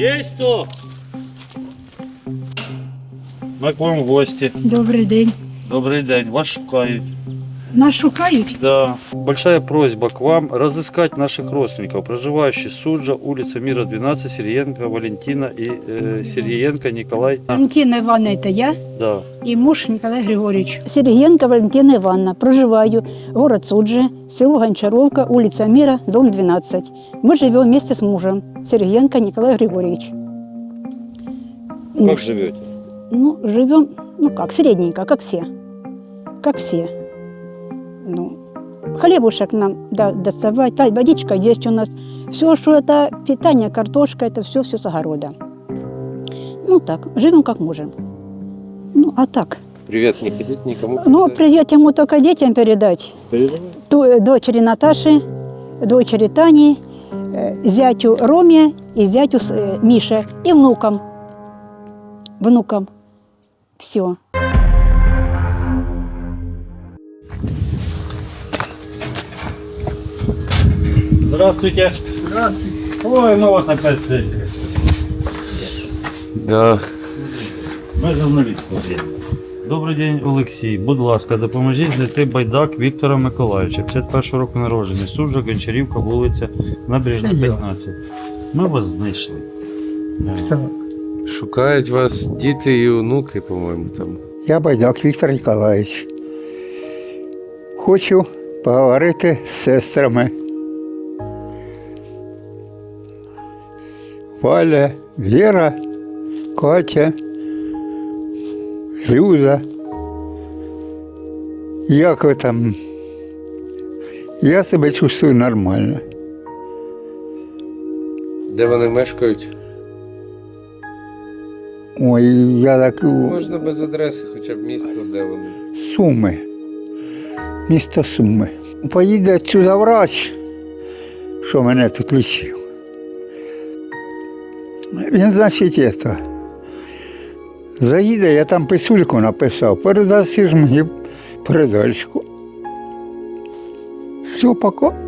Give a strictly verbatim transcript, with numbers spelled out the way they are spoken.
Есть кто? Ми к вам в гості. Добрий день. Добрий день. Вас шукають. Нас шукають? Да. Большая просьба к вам разыскать наших родственников, проживающих Суджа, улица Мира, двенадцать, Сергеенко Валентина и э, Сергеенко Николай. Валентина Івановна, это я Да. і муж Николай Григорьевич. Сергієнка Валентина Івановна. Проживаю. Город Суджи, село Гончаровка, улица Мира, дом двенадцать. Мы живем вместе с мужем. Сергієнко Николай Григорьевич. Как живете? Ну, живем, ну как, средненько, как все. Как все. Ну, хлебушек нам да, доставать, да, водичка есть у нас. Все, что это питание, картошка, это все, все с огорода. Ну так, живем как можем. Ну, а так. Привет не ходить никому. Ну, привет ему только детям передать. Передавай. Ту- Дочери Наташи, дочери Тани, э, зятю Роме и зятю с- э, Мише и внукам. Внукам. Все. Здравствуйте. Здравствуйте. Ой, ну вас опять встретили. Да. Ми журналісти. Добрий день, Олексій. Будь ласка, допоможіть знайти байдак Віктора Миколайовича, п'ятдесят першого року народження, Суджа, Гончарівка, вулиця Набережна, п'ятнадцять. Ми вас знайшли. Так. Шукають вас діти і онуки, по-моєму, там. Я Байдак Віктор Ніколаївич. Хочу поговорити з сестрами. Валя, Віра, Катя, Люда. Як ви там? Я себе чувствую нормально. Де вони мешкають? Ой, я так... Можна без адреси, хоча б місто, де вони. Суми. Місто Суми. Поїде сюди врач, що мене тут лічив. Він, значить, це, заїде, я там писульку написав, передаси ж мені передачку. Все, пока.